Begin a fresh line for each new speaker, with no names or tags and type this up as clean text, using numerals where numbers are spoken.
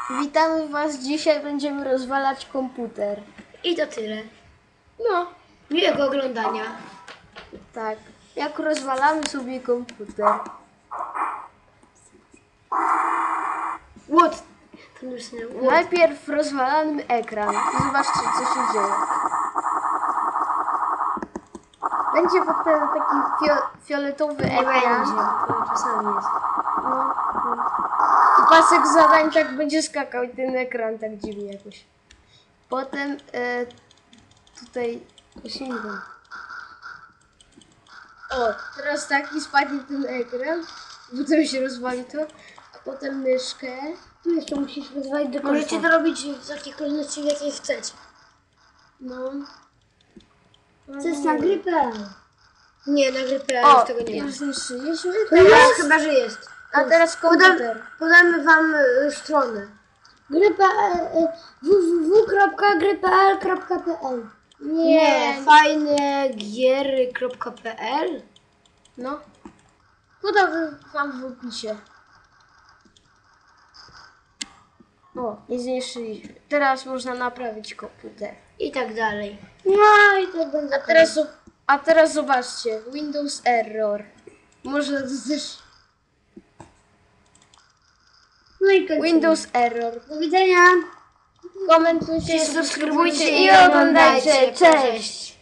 Witamy Was. Dzisiaj będziemy rozwalać komputer.
I to tyle.
No,
Miłego oglądania.
tak. Jak rozwalamy sobie komputer.
What? To napisane what?
Najpierw rozwalamy ekran. Zobaczcie, co się dzieje. Będzie potem taki fioletowy
Nie
ekran.
będzie. To czasami jest.
No. I pasek zadań tak będzie skakał i ten ekran tak dziwnie jakoś. Potem tutaj sięgam. O, teraz taki spadnie ten ekran, potem się rozwali to, a potem myszkę.
Tu jeszcze musisz rozwalić do końca. Możecie to robić w takiej kolejności, w jakiej chcecie.
No.
Co jest na grypę? Nie, na grypę
O,
już tego nie ma.
już zniszczyliśmy.
Teraz chyba, że jest.
A teraz komputer.
Podamy wam stronę. Grypa www.grypl.pl
Nie.
fajnegiery.pl.
No. Podam wam w opisie. O, nie zniszczyliśmy. Teraz można naprawić komputer.
I tak dalej. No i tak będzie.
A teraz zobaczcie. Windows error. Może też...
No i kończymy.
Windows error.
Do widzenia.
Komentujcie,
Subskrybujcie
i oglądajcie. Cześć!